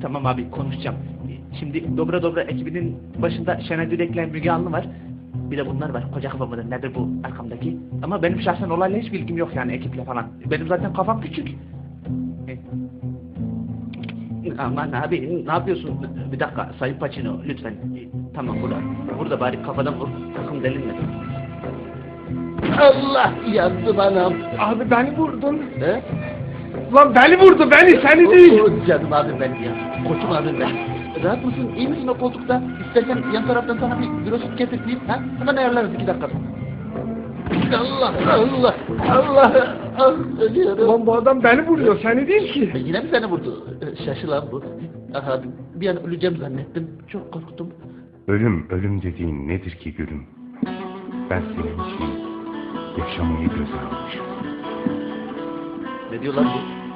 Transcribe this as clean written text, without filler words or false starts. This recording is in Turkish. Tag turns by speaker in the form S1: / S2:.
S1: Tamam abi konuşacağım. Şimdi Dobra Dobra ekibinin başında Şenay Dürek'le Müge Anlı var. Bir de bunlar var. Koca kafa mıdır nedir bu arkamdaki? Ama benim şahsen olayla hiç bilgim yok yani ekiple falan. Benim zaten kafam küçük. Aman abi ne yapıyorsun? Bir dakika Sayın Pacino lütfen. Tamam burada bari kafadan vur. Sakın delinme.
S2: Allah yandım anam.
S3: Abi beni vurdun.
S2: He?
S3: Lan beni vurdu beni seni değil.
S2: Canım abim benim ya. Koçum abim ben. Rahat mısın? İyi misin o koltukta? İstersen yan taraftan sana bir virüs getireyim. Ha? Hemen ayarlarız 2 dakika. Allah Allah Allah ah, ölüyorum.
S3: Lan bu adam beni vuruyor seni değil ki.
S2: Yine mi seni vurdu? Şaşılan bu. Aha, bir an öleceğim zannettim. Çok korktum.
S4: Ölüm dediğin nedir ki gülüm? Ben senin için yaşamayı göze almışım.
S2: Ne diyor lan bu?